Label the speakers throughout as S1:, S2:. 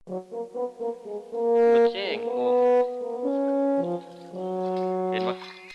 S1: บ่แจ้งโอ้เห็นบ่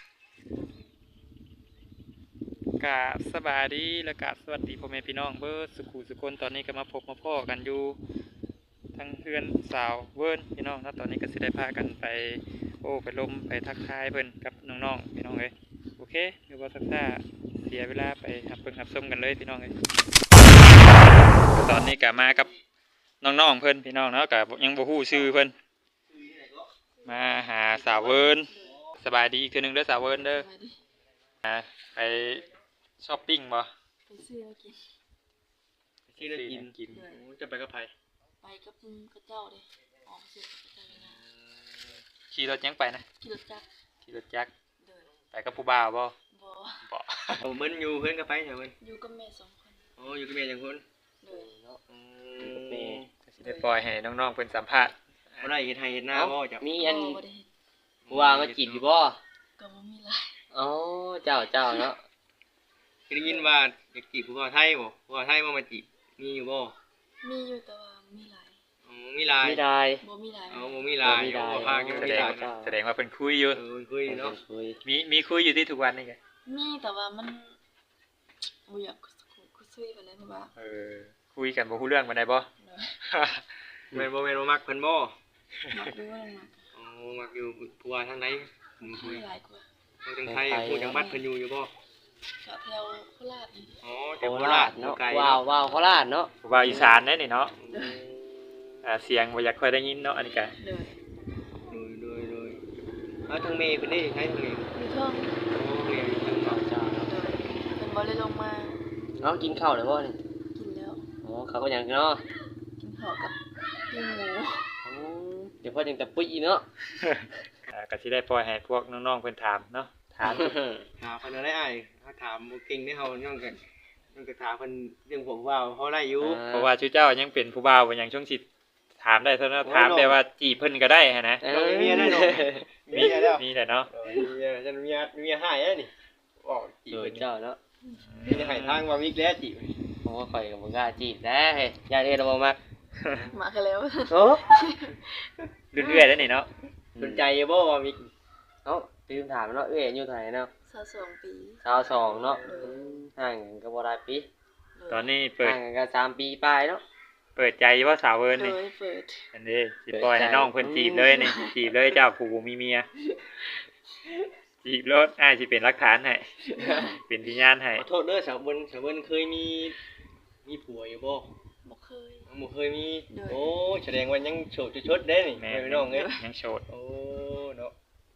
S1: กราบสบายดีและกราบสวัสดีพ่อแม่พี่น้องเบิดสุขุสุคนตอนนี้ก็มาพบมาพ้อกันอยู่ทั้งเพื่อนสาวเวิร์นพี่น้องแล้วตอนนี้ก็สิได้พากันไปไปลมไปทักทายเพิ่นกับน้องๆพี่น้องเอ้ยโอเคเดี๋ยวบ่ทักทายเสียเวลาไปหับเบิ่งหับชมกันเลยพี่น้องเอ้ยตอนนี้ก็มากับน้องๆเพิ่นพี่น้องเนาะก็ยังบ่ฮู้ชื่อเพิ่นมาหาสาวเวิร์นสบายดีอีกเทื่อนึงเด้อสาวเวิร์นเด้อไปช้อปปิ้งบ่
S2: ไปซื้อแล้วกิน
S1: ซื้อแล้วกินจะไปกับไผ
S2: ไปกับกระเจ้าเลยออกซื้อกระเจ้าเลยนะ
S1: ขี่รถยังไปนะ
S2: ขี่รถจักรเดิน
S1: ไปกับผู้บ่าวบ่
S2: บ่
S3: โอ้เบิ้นอยู่เพื่อนกับไปเถอะเบิ้น
S2: อยู่กับแม่2 คน
S3: โอ้อยู่กับแม่จังคน
S2: เลย
S3: เนาะ
S1: กับแม่ก็สิได้ปล่อยให้น้องๆเพิ่นสัมภาษณ์
S3: บ่ได้เฮ็ดให้เฮ็ดหน้าบ่จ้ะ
S4: มีอันผู้ว่ามาจีบอยู่บ่
S2: ก็บ่มีหลาย
S4: อ๋อเจ้าเนาะ
S3: ได้ยินว่าอยากจีบผู้บ่าวไทยบ่ผู้บ่าวไทยมาจีบมีอยู่บ่
S2: มีอยู่แต่ว่ามีหลาย
S3: อ๋อมีหลาย
S2: บ่มีหลาย
S3: อ๋อบ่มีหลายบ่พากันมีหลาย
S1: แสดงว่าเพิ่นคุยอยู่
S3: คุยเนาะ
S1: มีคุยอยู่ที่ทุกวันนี่ไง
S2: มีแต่ว่ามันบ่อยากคุยกันเลยเพราะว่า
S1: คุยกันบ่ฮู้เรื่องปานใดบ่
S3: แม่นบ่มักเพิ่นบ่
S2: มักดูว่ามัก
S3: อ๋อมักอยู่ผู้ว่าทางไหน
S2: คุยหลายกว่า
S3: ทางไทยผู้จังหวัดเพิ่นอยู่บ่
S2: ก็แถวโคราชนี่
S3: อ๋อแถวโคราช
S4: เนาะว้าวโคราชเนาะ
S1: ผู้บ่าวอีสานเด้นี่เนาะเสียงบ่อยากค่อยได้ยินเนาะอันนี้ก็
S3: โดยทางเมย์เพิ่นได้ใช้ทางเมย์
S2: อยู่เทิง
S3: อ๋อเมย์อยู่ทางเจ้า
S2: เนาะเพิ่นบ่ได้ลงมา
S4: เนาะกินข้าวแล้วบ่นี่
S2: กินแล้ว
S4: อ๋อข้าวก็ยังเนาะ
S2: กินข้าวกับปิ้งหมู
S4: อ๋อเดี๋ยวพอจังตะปุ้ยเนาะ
S1: ก็สิได้ปล่อยให้พวกน้องๆเพิ่นถามเนาะถาม
S3: เพิ่นได้อ้ายถ้าถามบ่เก่งได้เฮาน้องก็ถามเพิ่นเรื่องผมว่าเฮาได้อยู่
S1: เพราะว่าชื่อเจ้ายังเป็นผู้บ่าวบ่ยังช่วงสิถามได้เท่านั้นถามแต่ว่าจีบเพิ่นก็ได้ฮะนะ
S3: มีได้เนาะ
S1: มีแล้วมีแหละเนาะ
S3: จะมีหายแล้วนี่บอกจีบ
S4: เจ้าเนาะ
S3: มีหายทางว่าวิกแล้วจีบ
S4: โอ้ข่อยก็บ่กล้าจีบได้ญาติเอ็ดบ่มัก
S2: มากันแล้ว
S4: โอ้
S1: เรื่อยๆแล้วนี่เนาะ
S3: สนใจบ่ว่าวิก
S4: เอ้าลืมถามเนาะเอ้ยอายุเท่าไหร่เนาะ
S2: 22 ปี
S4: 22เนาะห่างกันก็บ่ได้ปี
S1: ตอนนี้เปิด
S4: ห่างกันก็3 ปีปลายเนาะ
S1: เปิดใจว่าสาวเวิร์นนี่
S2: เปิด
S1: อันนี้สิปล่อยให้น้องเพิ่นจีบเลยนี่จีบเลยเจ้าผู้บ่มีเมียจีบรถอ้ายสิเป็นหลักฐานให้เป็นพยานให้
S3: ขอโทษเด้อสาวเวิร์นเคยมีผัวอยู่บ่บ่เคยมีโอ้แสดงว่ายังโสดชดเด้นี่พี่น้องเอ้ย
S1: ยังโสด
S3: โอ้เนาะ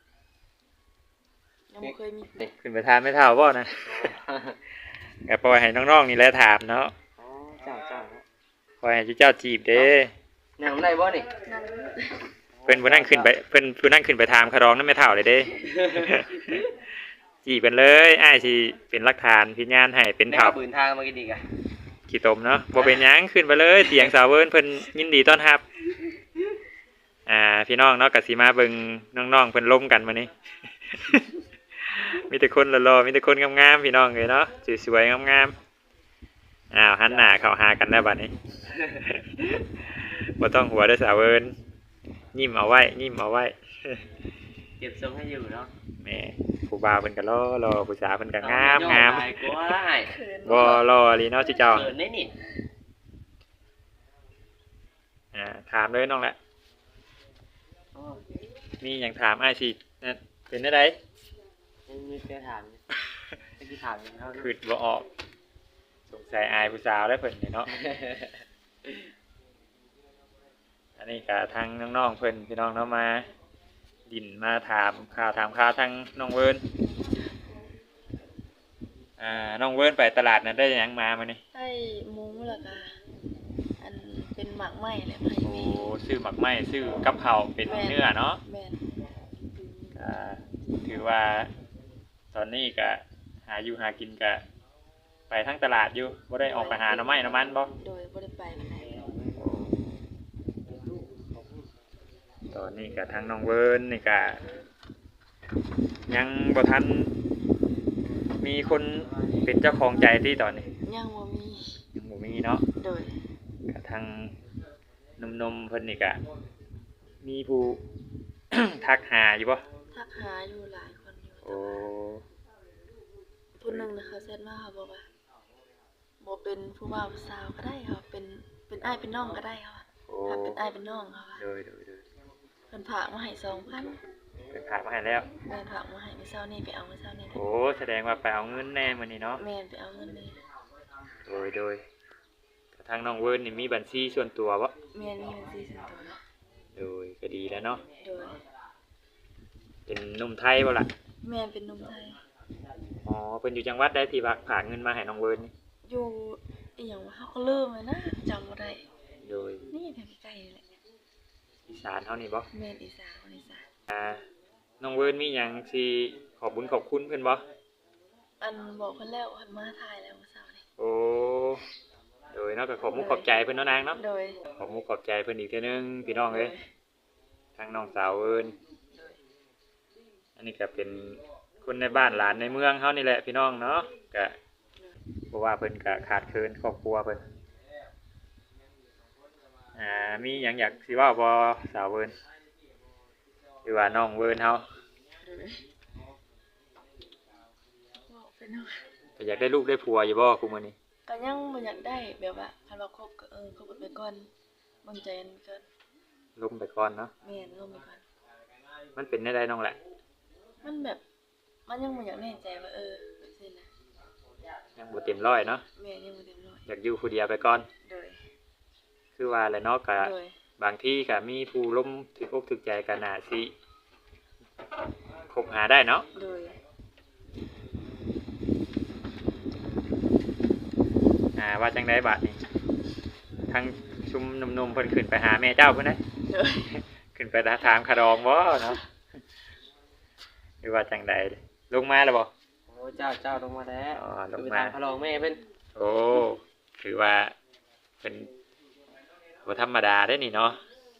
S2: ยังบ่เคยมี
S1: ขึ้นไปถามไม่เท่าบ่นะก็ปล่อยให้น้องๆนี่แหละถามเนาะ
S4: อ๋อเจ้า
S1: ปล่อยให้เจ้าจีบเด้
S4: นั่งได้บ่นี่
S1: เพิ่นบ่นั่งขึ้นไปเพิ่นผู้นั่งขึ้นไปถามคารองนำไม่เท่าเลยเด้จีบกันเลยอ้ายสิเป็นหลักฐานพยานให้เป็นเท่า
S4: ปืนทางมากินดีกะ
S1: ขี้ตมเนาะบ่เป็นหยังขึ้นไปเลยเตียงสาวเวิร์นเพิ่นยินดีต้อนรับพี่น้องเนาะก็สิมาเบิ่งน้องๆเพิ่นล้มกันมื้อนี้ มีแต่คนหล่อๆมีแต่คนงามๆพี่น้องเอ้ยเนาะสวยๆงามๆหันหน้าเข้าหากันแล้วบัดนี้ บ่ต้องหัวเด้อสาวเวิร์นยิ้มเอาไว้
S4: เก็บทรงให้อยู่เนาะ
S1: แม่ผู้บ่าวเพิ่นก็รอผู้สาวเพิ่นก็งามบ่รอลีเนาะจิเจ้า
S4: เกิดได้นี่
S1: ถามเลยน้องละมีหยังถามอ้ายสิเป็นได้ได
S4: มีแค่ถามสิถามเฮา
S1: คิดบ่ออกสงสัยอายผู้สาวแล้วเพิ่นนี่เนาะ อันนี้ก็ทางน้องๆเพิ่นพี่น้องเนาะมาดินมาถามข่าวทางน้องเวิร์นน้องเวิร์นไปตลาดนั้นได้หยังมามื้อนี้
S2: ได้หมูแล้วก็อันเป็นหมักไหม้แหละให้แม่
S1: ซื้อหมักไหม้ซื้อกับข้าวเป็นเนื้อเนาะ
S2: แม่น
S1: ถือว่าตอนนี้ก็หาอยู่หากินก็ไปทั้งตลาดอยู่บ่ได้ออกไปหาหน่อไม้หน่อมันบ่
S2: โดยบ่ได้ไปปานใด
S1: ตอนนี้ก็ทางน้องเวิร์นนี่ก็ยังบ่ทันมีคนเป็นเจ้าของใจที่ตอนนี้
S2: ยังบ่มี
S1: เนาะ
S2: โดย
S1: ก็ทางนมเพิ่นนี่ก็มีผู้ ทักหาอยู่บ่
S2: ทักหาอยู่หลายคนอยู่
S1: โอ้
S2: ผู้หนึงนะคะเซตมาเขาบอกว่าบ่เป็นผู้บ่าวผู้สาวก็ได้ค่ะเป็นอ้ายเป็นน้องก็ได้ค่ะ
S1: โอ้
S2: ถ้าเป็นอ้ายเป็นน้องค่ะ
S1: โดย
S2: เพิ่นฝากมาให้2,000
S1: เป็นพามาให้แล้ว
S2: แม่นฝากมาให้มื้อเช้านี้ไปเอามื้อเช้านี้
S1: โอ้แสดงว่าไปเอาเงินแน่มื้อนี้เนาะ
S2: แม่นไปเอาเงินเลย
S1: โดยก็ทางน้องเวิร์นนี่มีบัญชีส่วนตัวบ่
S2: แม่นมีบัญชีส่วนตัวเนาะ
S1: โดยก็ดีแล้วเนาะ
S2: โดย
S1: เป็นหนุ่มไทยบ่ล่ะ
S2: แม่นเป็นหนุ่มไทย
S1: อ๋อเพิ่นอยู่จังหวัดใดที่ฝากเงินมาให้น้องเวิร์นนี่
S2: อยู่อีหยังวะเฮาก็ลืมเลยนะจำบ่ได้
S1: โดย
S2: นี่แถวใกล้ๆนี่แหละ
S1: อีสานเฮานี่บ่
S2: แม่นอีสานคนอีสาน
S1: น้องเวิร์นมีหยังสิขอบคุญขอบคุณเพิ่นบ่
S2: อันบอกเพิ่นแล้วเพิ่นมาถ่ายแล้วมื้อเช้านี้
S1: โอ้โดยเนาะก็ขอบมุกขอบใจเพิ่นเนาะนางเนาะ
S2: โดย
S1: ขอบมุกขอบใจเพิ่นอีกเทื่อนึงพี่น้องเอ้ยทางน้องสาวเอิ้นอันนี้ก็เป็นคนในบ้านหลานในเมืองเฮานี่แหละพี่น้องเนาะก็เพราะว่าเพิ่นก็ขาดเคินครอบครัวเพิ่นมีหยังอยากสิเว้าบ่สาวเอิ้นหรือว่าน้องเอิ้นเฮา
S2: บอกเป็นเนาะ
S1: ก็อยากได้ลูกได้ผัวอยู่บ่คุมื้อนี้
S2: ก็ยังบ่อยากได้แบบว่าคันว่าคบก็คบกันไปก่อนเบิ่งใจกันก่อน
S1: ล้มไปก่อนเนาะ
S2: แม่นลงไปก่อน
S1: มันเป็นได้น้องแหละ
S2: มันแบบมันยังบ่อยากแน่ใจว่าแบบซี่นะ
S1: ยังบ่เต็มร้อยเนาะ
S2: แม่ยังบ่เต็มร้อย
S1: อยากอยู่ผู้เดียวไปก่อน
S2: โดย
S1: คือว่าแหละเนาะก็
S2: โดย
S1: บางที่ก็มีผู้ล้มถึกอกถึกใจกันน่าสิคบหาได้เนาะ
S2: โดย
S1: ว่าจังได๋บัดนี้ทั้งชุมหนุ่มๆเพิ่นขึ้นไปหาแม่เจ้าเพิ่นได้
S2: โดย
S1: ขึ้นไปถามคารองบ่เนาะหรือว่าจังไดลงมาแล้วบ่
S4: โอ้เจ้าลงมาแล้ว
S1: อ๋อลง
S4: ไป
S1: มา
S4: ทางพะลองแม่เพิ่น
S1: โอ้ถือว่าเป็นบ่ธรรมดาได้นี่เนาะ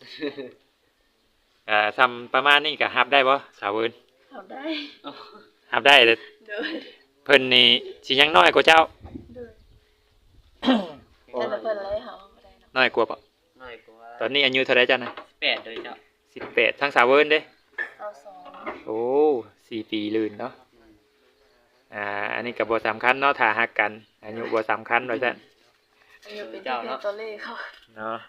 S1: ทำประมาณนี้ก็รับได้บ่สาวเอิ้น
S2: ทำได้
S1: รับได้แต่
S2: โดย
S1: เพิ่นนี่สิยังน้อยกว่าเจ้า
S2: โดยแต่ละเพิ่นเลยเฮาบ่ได้เนาะ
S1: น้อยกว่าบ่
S4: น้อยกว่า
S1: ตอนนี้อายุเท่าไรจ้ะนะ
S4: 8เลยเจ้า
S1: 18ทั้งสาวเวิร์นเด้
S2: เอาสอง
S1: โอ้4 ปีลื่นเนาะอันนี้ก็บ่สำคัญเนาะถ้าฮักกันอายุบ่สำคัญว่าซั่น
S2: อายุเป็นที่เป็นตัวเลขเขา
S1: เนาะ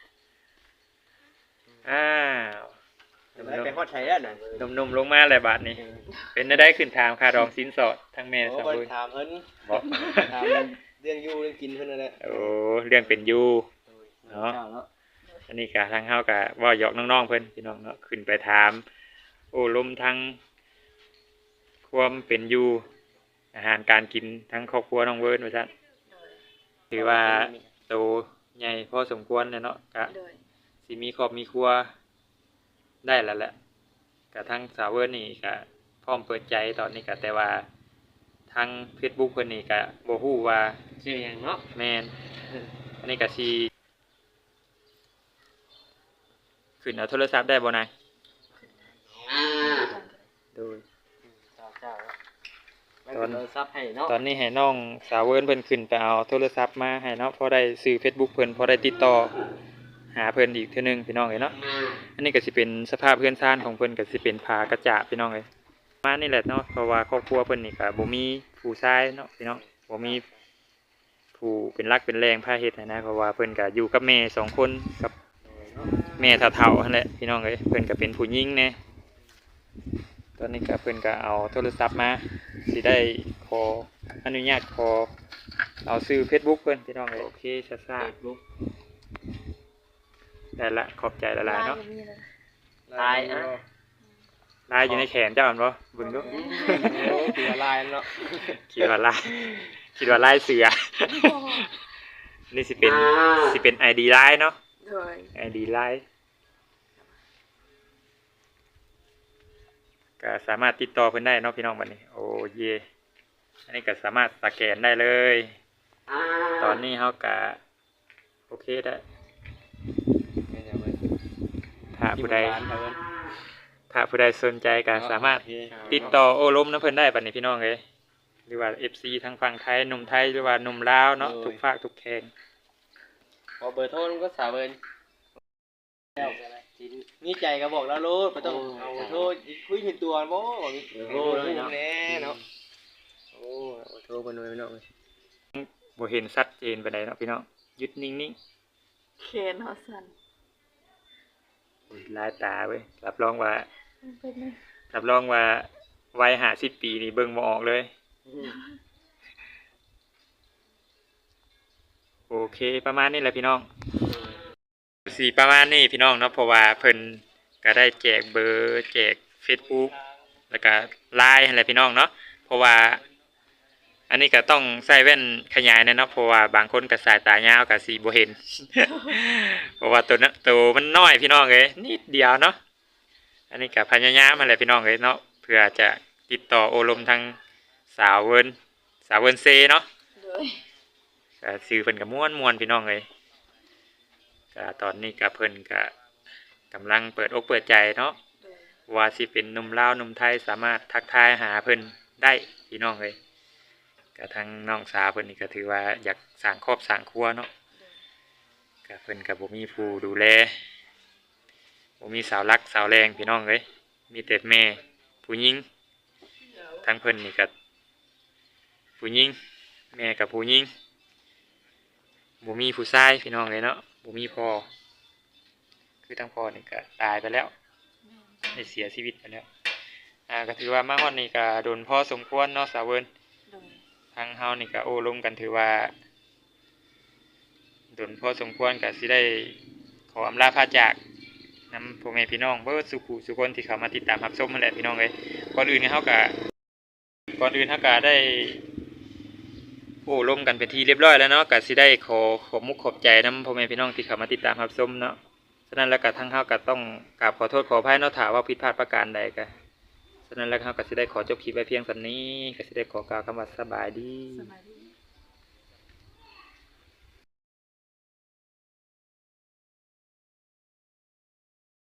S1: อ้าว
S3: ไปฮอดไทยแล้วน่ะ
S1: หนุ่มๆลงมาแล้วบาดนี้ เป็นได้ขึ้นถามค่ารองสินสอดทั้งแม่
S3: โอ้
S1: สาว
S3: บ่
S1: เวิร์น
S3: ถามเพิ่น
S1: บ่
S3: ถามเรื่องอยู่เรื่องกินเพิ่นนั่นแหละ
S1: โอ้เรื่องเป็นอยู่
S4: เนาะเนาะ
S1: อันนี้ก็ทางเฮาก็เว้าหยอกน้องๆเพิ่นพี่น้องเนาะขึ้นไปถาม โอ้ลมทั้งความเป็นอยู่อาหารการกินทั้งครอบครัวน้องเวิร์นว่าซั่น
S2: โดย
S1: ถือว่าโตใหญ่พอสมควรเลยเนาะก็
S2: โดย
S1: สิมีครอบมีครัวได้แล้วแหละก็ทั้งสาวเวิร์นนี่ก็พร้อมเปิดใจตอนนี้ก็แต่ว่าทาง Facebook เพิ่นนี่ก็บ่ฮู้ว่า
S4: ชื่อหยังเนาะ
S1: แม่นอันนี้ก็สิขึ้นเอาโทรศัพท์ได้บ่นายโดย
S4: เจ้าไม่เป็นโทรศัพท์ให้เนาะ
S1: ตอนนี้ให้น้องสาวเวิร์นเพิ่นขึ้นไปเอาโทรศัพท์มาให้เนาะพอได้ซื้อ Facebook เพิ่นพอได้ติดต่อหาเพิ่นอีกเทื่อนึงพี่น้องเอ้ยเนาะอันนี้ก็สิเป็นสภาพเพื่อนซ่านของเพิ่นก็สิเป็นผากระจาพี่น้องเอ้ยมานี่แหละเนาะเพราะว่าครอบครัวเพิ่นนี่ก็บ่มีผู้ชายเนาะพี่น้องบ่มีผู้เป็นรักเป็นแรงพาเฮ็ดนะเพราะว่าเพิ่นก็อยู่กับแม่สองคนกับแม่เฒ่าๆนั่นแหละพี่น้องเอ้ยเพิ่นก็เป็นผู้หญิงแน่ตอนนี้ก็เพิ่นก็เอาโทรศัพท์มาสิได้ขออนุญาตขอเอาซื้อ Facebook เพิ่นพี่น้องเอ้ยโอเคซ่า
S4: เฟซบุ๊ก
S1: ๆได้ละขอบใจละลายเนาะ
S2: มีเลย
S4: ตายอ่ะ
S1: ลายอยู่ในแขนเจ้าอันบ่เบิ่งดู
S3: โอ้คือละลายเนาะ
S1: คิดว่าลายคิดว่าลายเสือ นี่สิเป็น ID ไลน์เนาะ
S2: โดย
S1: ID ไลน์ก็สามารถติดต่อเพิ่นได้เนาะพี่น้องบัดนี้โอ้เยอันนี้ก็สามารถสแกนได้เลย ตอนนี้เฮาก็โอเคได้ถ้าผู้ใดสนใจก็สามารถติดต่อโอ้ล้มน้ำเพิ่นได้บัดนี้พี่น้องเอ้ยหรือว่า FC ทางฝั่งไทยหนุ่มไทยหรือว่าหนุ่มลาวเนาะทุกภาคทุกแห่ง
S4: พอเบอร์โทรมันก็สาวเบิ่น
S3: มีใจก็บอกแล้วโลดบ่ต้องเอาโทษคุยถึงตัวบ่มีโอ้ยเนาะแน่เนาะโอ้โทษเพิ่นไว้พี่น้อง
S1: บ่เห็นชัดเจนปานใดเนาะพี่น้องหยุดนิ่ง
S2: เคนเฮาสั่น
S1: ๆอุ้ยลายตาเว้ยรับรองว่า
S2: มันเป็นไง
S1: รับรองว่าวัย50 ปีนี่เบิ่งบ่ออกเลย โอเคประมาณนี้แหละพี่น้องสีประมาณนี้พี่น้องเนาะเพราะว่าเพิ่นก็ได้แจกเบอร์แจก Facebook แล้วก็ LINE ให้แหละพี่น้องเนาะเพราะว่าอันนี้ก็ต้องใส่แว่นขยายนะเนาะเพราะว่าบางคนก็สายตายาวก็สิบ่เห็น เพราะว่าตัวมันน้อยพี่น้องเอ้ยนิดเดียวเนาะอันนี้ก็พยายามมาแหละพี่น้องเอ้ยเนาะเพื่อจะติดต่อโอลมทางสาวเวินเซเนาะ
S2: โดย
S1: ก็ซื้อเพิ่นก็ม่วนพี่น้องเลยก็ตอนนี้ก็เพิ่นก็กำลังเปิดอกเปิดใจเนาะ
S2: โดย
S1: ว่าสิเป็นหนุ่มลาวหนุ่มไทยสามารถทักทายหาเพิ่นได้พี่น้องเลยก็ทางน้องสาวเพิ่นนี่ก็ถือว่าอยากสร้างครอบสร้างครัวเนาะก็เพิ่นก็บ่มีผู้ดูแลบ่มีสาวรักสาวแรงพี่น้องเลยมีแต่แม่ผู้หญิงทางเพิ่นนี่ก็ผู้หญิงแม่กับผู้หญิง บ่มีผู้ชายพี่น้องเลยเนาะบ่มีพ่อคือทั้งพ่อนี่ก็ตายไปแล้วได้เสียชีวิตไปแล้วก็ถือว่ามาฮอดนี่ก็โดนพอสมควรเนาะสาวเวิร์น
S2: โดย
S1: ทางเฮานี่ก็โอ้ร่วมกันถือว่าโดนพอสมควรก็สิได้ขออำลาพาจากนำพ่อแม่พี่น้องเบิดสุขุสุคนที่เข้ามาติดตามรับชมนั่นแหละพี่น้องเอ้ยก่อนอื่นเฮาก็ได้โอ้ร่วมกันเป็นที่เรียบร้อยแล้วเนาะก็สิได้ขอมุกขอบใจนำพ่อแม่พี่น้องที่เข้ามาติดตามรับชมเนาะฉะนั้นแล้วก็ทางเฮาก็ต้องกราบขอโทษขออภัยเนาะถ้าว่าผิดพลาดประการใดก็ฉะนั้นแล้วเฮาก็สิได้ขอจบคลิปไว้เพียงส่ำนี้ก็สิได้ขอกล่าวคำว่าสบายดี
S2: สบายดี